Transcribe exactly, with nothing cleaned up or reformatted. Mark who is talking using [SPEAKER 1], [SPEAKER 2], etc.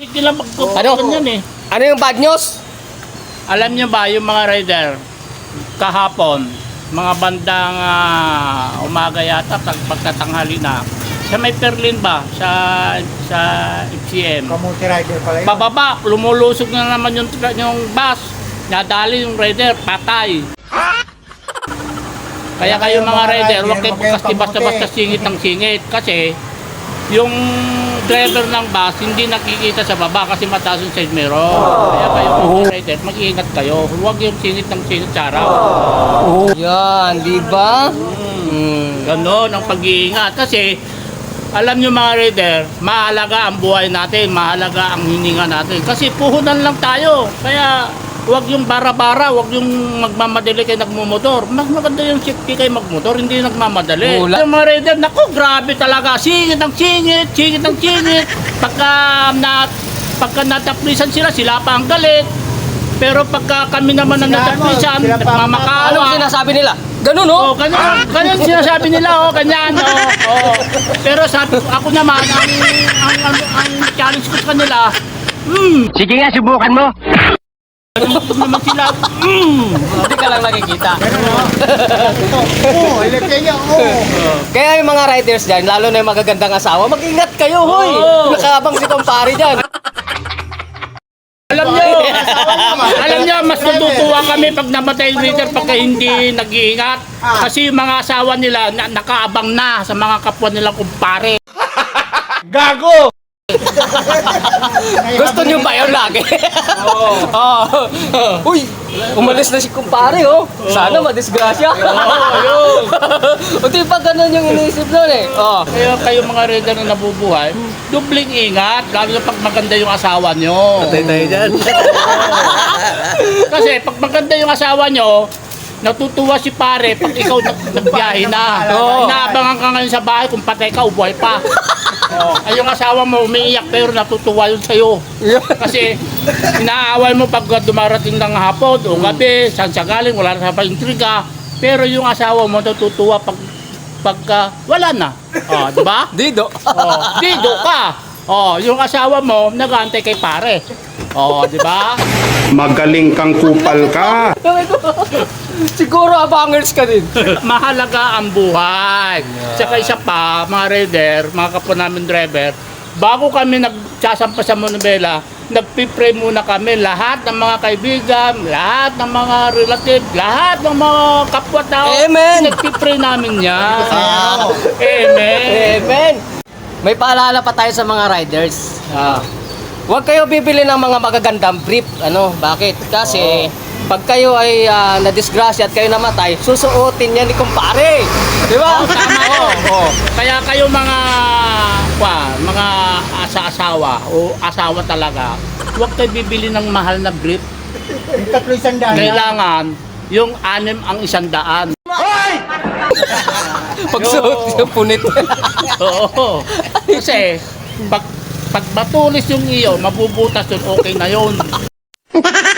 [SPEAKER 1] Hindi lang magkukuhan
[SPEAKER 2] Ano?
[SPEAKER 1] yan eh.
[SPEAKER 2] Ano yung bad news?
[SPEAKER 1] Alam niyo ba yung mga rider, kahapon, mga bandang ah, umaga yata, pag pagkatanghali na, sa may Perlin ba, sa sa F C M,
[SPEAKER 3] Kamuti rider pala yun.
[SPEAKER 1] bababa, lumulusog na naman yung, tra- yung bus, nadali yung rider, patay. Kaya kayo mga rider, huwag kayo kasi basta-basta singit ng singit, kasi yung driver ng bus hindi nakikita sa baba kasi mataas yung side mirror. Kaya kayo mga rider, mag-iingat kayo. Huwag yung singit ng singit sa araw.
[SPEAKER 2] Yan, di ba? Hmm.
[SPEAKER 1] Ganon ang pag-iingat. Kasi alam nyo mga rider, mahalaga ang buhay natin, mahalaga ang hininga natin. Kasi puhunan lang tayo. Kaya huwag yung bara-bara, huwag yung magmamadali kayo nagmumotor. Mas maganda yung safety kayo magmotor, hindi yung nagmamadali.
[SPEAKER 2] Wala.
[SPEAKER 1] Yung mga rider, naku, grabe talaga. Singit ang singit, singit ang singit. Pagka, na, pagka nataplisan sila, sila pa ang galit. Pero pagka kami naman ang nataplisan,
[SPEAKER 3] Sila pa ang-
[SPEAKER 1] nagmamakaawa.
[SPEAKER 2] Anong sinasabi nila? Ganun, oh.
[SPEAKER 1] Oh, ganyan, ganyan sinasabi nila, oh, ganyan, oh, oh. Pero sabi ko, ako naman, ang, ang, ang, ang challenge ko sa kanila, hmm,
[SPEAKER 2] Sige nga, subukan mo.
[SPEAKER 1] ganun naman sila, hmm.
[SPEAKER 2] Hindi ka lang nakikita.
[SPEAKER 3] Oo, ilagay niya, oo.
[SPEAKER 2] Kaya yung mga riders dyan, lalo na yung magagandang asawa, mag-ingat kayo, hoy.
[SPEAKER 1] Oo.
[SPEAKER 2] Nakabang si kumpare dyan.
[SPEAKER 1] Alam nyo, alam nyo, mas natutuwa kami pag namatay yung leader pagka hindi nag-iingat. Kasi yung mga asawa nila, na, nakaabang na sa mga kapwa nilang kumpare.
[SPEAKER 3] Gago!
[SPEAKER 2] Gusto nyo ba yun lagi? Oo. Oh. Uy, umalis na si kumpare, oh. Sana madisgrasya.
[SPEAKER 1] Oo, yun.
[SPEAKER 2] O di pa ganun yung iniisip nun eh. Oh.
[SPEAKER 1] Kaya kayo mga rider na nabubuhay, dubling ingat, lalo na pag maganda yung asawa nyo.
[SPEAKER 2] tayo dyan.
[SPEAKER 1] Kasi pag maganda yung asawa nyo, natutuwa si pare pag ikaw nag nagbiyahe na.
[SPEAKER 2] Oo.
[SPEAKER 1] Inaabangan ka ngayon sa bahay kung patay ka o buhay pa. Oh, ay yung asawa mo umiiyak pero natutuwa yun sa'yo. Kasi inaaway mo pag dumarating ng hapon o gabi, saan siya galing, wala na sa intriga. Pero yung asawa mo natutuwa pag pagka wala na. Oh, di ba?
[SPEAKER 2] Dido.
[SPEAKER 1] Oh, dido ka. Oh, yung asawa mo nag-aantay kay pare. Oh, di ba?
[SPEAKER 4] Magaling kang kupal ka.
[SPEAKER 2] Siguro abangers ka din.
[SPEAKER 1] Mahalaga ang buhay. Tsaka isa pa, mga rider, mga kapwa namin driver, bago kami nagsasampa sa Monobela, nagpipray muna kami lahat ng mga kaibigan, lahat ng mga relative, lahat ng mga kapwa-tao.
[SPEAKER 2] Amen.
[SPEAKER 1] Nagpipray namin yan. Amen.
[SPEAKER 2] Amen. May paalala pa tayo sa mga riders. Ah. Huwag kayo bibili ng mga magagandang brief. Ano? Bakit? Kasi pag kayo ay uh, nadisgrasya at kayo namatay, susuotin yan ni kumpare. Di ba?
[SPEAKER 1] Tama yun. Oh. Kaya kayo mga kwa, mga asa-asawa o asawa talaga, huwag kayo bibili ng mahal na brief.
[SPEAKER 3] Yung tatlo isang daan.
[SPEAKER 1] Kailangan yung anim ang isang daan.
[SPEAKER 2] Pagsuot yung punit.
[SPEAKER 1] Oo. Kasi pag pag matulis yung iyo, mabubutas yun, okay na yun.